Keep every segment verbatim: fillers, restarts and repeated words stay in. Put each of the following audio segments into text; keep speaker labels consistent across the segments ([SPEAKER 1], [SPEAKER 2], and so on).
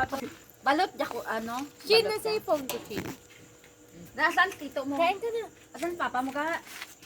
[SPEAKER 1] Balot, jako, ano?
[SPEAKER 2] Chin na sa phone ko, Chin.
[SPEAKER 1] Nasaan tito mo?
[SPEAKER 2] Kain ka na.
[SPEAKER 1] Asan papa mo ka?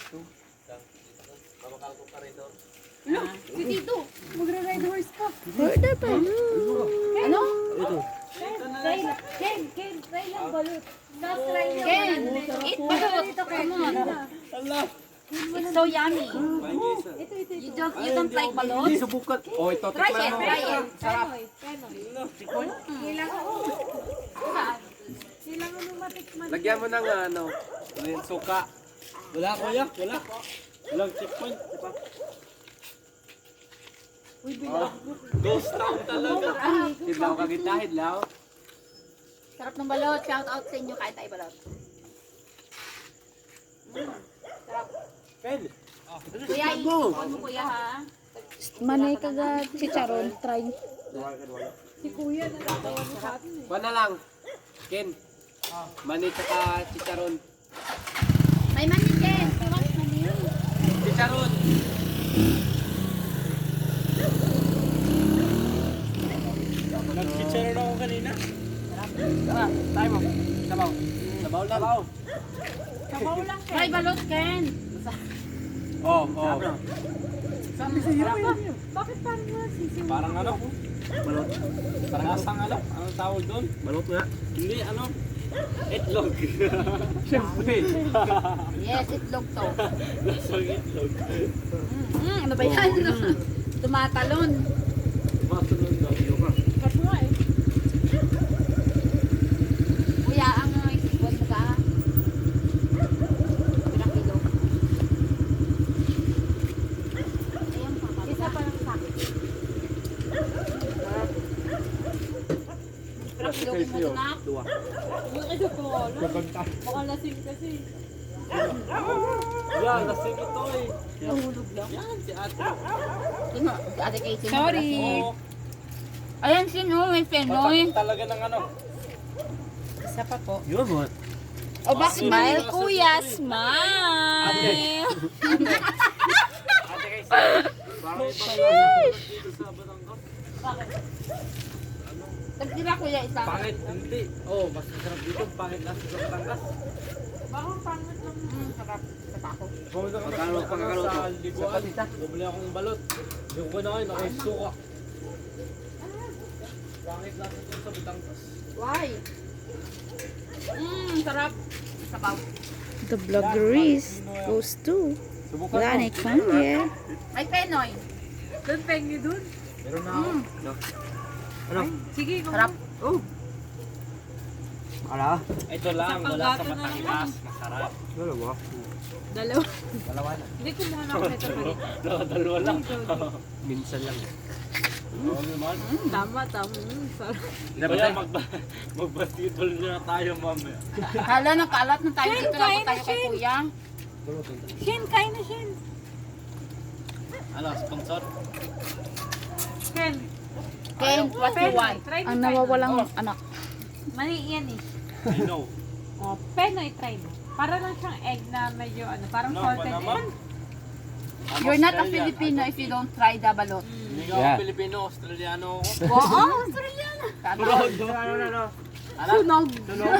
[SPEAKER 2] Ano? Si Tito. Magra-ride horse ka.
[SPEAKER 3] Order pa.
[SPEAKER 1] Ano?
[SPEAKER 2] Try lang. Ken, Ken, try lang balot. Last try lang.
[SPEAKER 1] Ken, eat balot. Come on. It's so yummy.
[SPEAKER 2] Ito, ito,
[SPEAKER 1] You
[SPEAKER 2] ito.
[SPEAKER 1] don't, you don't like balot?
[SPEAKER 4] Hindi subukan. Oh, ito.
[SPEAKER 1] Try
[SPEAKER 4] tikman
[SPEAKER 1] it,
[SPEAKER 4] mo.
[SPEAKER 1] try it.
[SPEAKER 2] Penoy, Penoy. Kailangan mo. Kailangan mo matikman.
[SPEAKER 4] Lagyan mo ng ano, yung suka. Wala kuya, wala. Walang checkpoint. Diba?
[SPEAKER 2] Uy, bilang.
[SPEAKER 4] Ghost town talaga. Hidlaw ka kita, hidlaw.
[SPEAKER 1] Sarap ng balot. Shout out sa inyo kahit tayo balot.
[SPEAKER 4] Pen.
[SPEAKER 1] Kuya, ikon mo kuya ha.
[SPEAKER 3] Manay kaga chicharon. Try.
[SPEAKER 2] Si Kuya, natatawa mo sa atin eh.
[SPEAKER 4] Kuha na lang. Ken. Mani tsaka chicharon.
[SPEAKER 1] May mani, Ken. Tawag mani yun.
[SPEAKER 4] Chicharon. Nag-chicharon ako kanina. Tara, tayo mo. Sabaw. Sabaw lang. Sabaw.
[SPEAKER 2] Sabaw lang, Ken.
[SPEAKER 1] Try balot, Ken.
[SPEAKER 4] Oh, oh.
[SPEAKER 2] Sabi sa hirap ka. Bakit parang nasisiw?
[SPEAKER 4] Parang ano? Balot. Parang asang ano? Anong tawag doon? Balot nga. Hindi, ano? Itlog. Siyempre.
[SPEAKER 1] Yes, itlog to.
[SPEAKER 4] Lasang itlog.
[SPEAKER 1] Mm, ano ba yan? Tumatalon.
[SPEAKER 4] Masunod daw.
[SPEAKER 2] Kat mo eh.
[SPEAKER 1] Kuya, ang ikon mo ka. Pirang kilo. Ayan pa.
[SPEAKER 2] Isa pa lang sa akin.
[SPEAKER 1] Pirang kilo mo ito na.
[SPEAKER 4] Dua.
[SPEAKER 2] Yung ito ko, baka lasing kasi.
[SPEAKER 4] Yan, lasing ito eh.
[SPEAKER 2] Nahulog lang.
[SPEAKER 4] Yan, si ate.
[SPEAKER 1] Sino? Si Ate Casey.
[SPEAKER 2] Sorry.
[SPEAKER 4] Oo.
[SPEAKER 1] Ayan, sino? May penoy.
[SPEAKER 4] Patak talaga ng ano.
[SPEAKER 2] Isa pa po.
[SPEAKER 4] Yun mo.
[SPEAKER 1] O bak
[SPEAKER 3] Smile, kuya. Smile.
[SPEAKER 4] Ate kay Parang ibang dito sa Batangas.
[SPEAKER 1] Tagtira kuya isa.
[SPEAKER 4] Pangit, hindi. Oh, mas masarap dito. Pangit lang sa Batangas.
[SPEAKER 2] Baka pangit lang.
[SPEAKER 1] Mm, sarap. Sa pako.
[SPEAKER 4] Pumunta ka
[SPEAKER 5] Pagkano, pagkano
[SPEAKER 4] sa
[SPEAKER 5] to?
[SPEAKER 4] Liguan. Bumili akong balot. Hindi ko na kayo, nakisuka. Pangit lang ito sa Batangas.
[SPEAKER 1] Why? Mmm, sarap. Sabaw.
[SPEAKER 3] The vloggeries goes to
[SPEAKER 4] Subukan mo.
[SPEAKER 3] Planet from here.
[SPEAKER 1] May penoy.
[SPEAKER 2] Doon pengi dun.
[SPEAKER 4] Meron na ako.
[SPEAKER 5] Ano?
[SPEAKER 2] Sige, kung
[SPEAKER 1] Sarap.
[SPEAKER 5] Oh. Ala.
[SPEAKER 4] Ito lang,
[SPEAKER 2] Sa
[SPEAKER 4] wala sa
[SPEAKER 2] panggato na
[SPEAKER 4] Batangas. Masarap.
[SPEAKER 5] Ano ba?
[SPEAKER 2] dalawa.
[SPEAKER 4] Dalawa na.
[SPEAKER 2] Hindi kumuha na ako nito pa rin.
[SPEAKER 4] Dalawa lang.
[SPEAKER 5] Minsan lang.
[SPEAKER 4] Oo naman.
[SPEAKER 2] Tama, tama. Mm, sarap.
[SPEAKER 4] Kaya mag mag-basketball na tayo mamaya.
[SPEAKER 1] Hala, nakalat na tayo
[SPEAKER 2] Shin,
[SPEAKER 1] dito. Lang
[SPEAKER 2] kain
[SPEAKER 1] tayo
[SPEAKER 2] na,
[SPEAKER 1] kay
[SPEAKER 2] Shin.
[SPEAKER 1] kuya.
[SPEAKER 2] Shin, kain na, Shin.
[SPEAKER 4] Ano, sponsor?
[SPEAKER 2] Ken,
[SPEAKER 1] Ken, what you want?
[SPEAKER 2] Try mo
[SPEAKER 3] Ang
[SPEAKER 2] Penoy.
[SPEAKER 3] nawawalang anak.
[SPEAKER 2] Mali yan eh.
[SPEAKER 4] I know.
[SPEAKER 2] Oh, Penoy, try mo. Para lang siyang egg na medyo ano, parang
[SPEAKER 4] No,
[SPEAKER 2] salted
[SPEAKER 4] Panama.
[SPEAKER 2] egg.
[SPEAKER 1] You're not a Filipino if you don't try the balot.
[SPEAKER 4] Hindi ka
[SPEAKER 5] Yeah.
[SPEAKER 4] ako Pilipino, Australiano ako.
[SPEAKER 1] Oo, Australian.
[SPEAKER 4] Ano, ano, ano?
[SPEAKER 1] Sunog.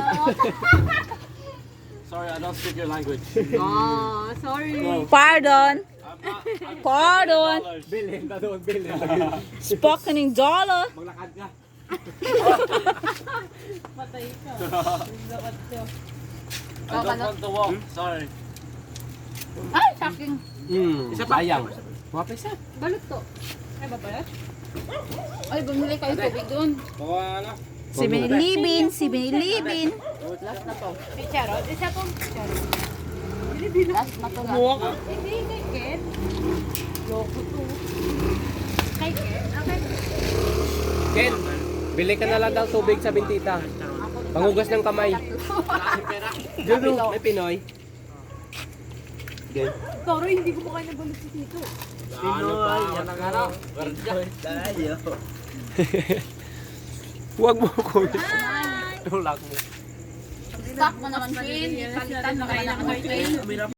[SPEAKER 4] Sorry, I don't speak your language.
[SPEAKER 2] Oh, sorry.
[SPEAKER 3] Pardon.
[SPEAKER 4] I'm not, I'm
[SPEAKER 3] Pardon.
[SPEAKER 4] Bilhin na doon, bilhin.
[SPEAKER 3] Spoken in dollar.
[SPEAKER 4] Maglakad ka.
[SPEAKER 2] Patay ka. Naglakad ka.
[SPEAKER 4] I don't want to walk. Sorry.
[SPEAKER 1] Ay, shocking.
[SPEAKER 5] Hmm.
[SPEAKER 4] Isa pa.
[SPEAKER 5] Sayang. Mga isa.
[SPEAKER 2] Balot to. Ay, ba balot?
[SPEAKER 1] Ay, bumili kayo tubig doon.
[SPEAKER 4] Kuha ano?
[SPEAKER 3] Si Binilibin, si Binilibin.
[SPEAKER 1] Last na to.
[SPEAKER 2] Picharon? Isa pong picharon.
[SPEAKER 1] Last na to. Last.
[SPEAKER 2] Hindi, kay Ken. Loko to. Kay Ken? Okay.
[SPEAKER 5] Ken, bili ka na lang daw tubig sa bintita. Pangugas ng kamay. Dulo, may Pinoy. Ken.
[SPEAKER 2] Toro, hindi ko makain na balot si Tito.
[SPEAKER 4] Pinoy, yan ang ano. Tayo.
[SPEAKER 5] Huwag mo ko. Tulak mo.
[SPEAKER 1] Stock mo naman, Queen. Palitan mo naman ako, Queen.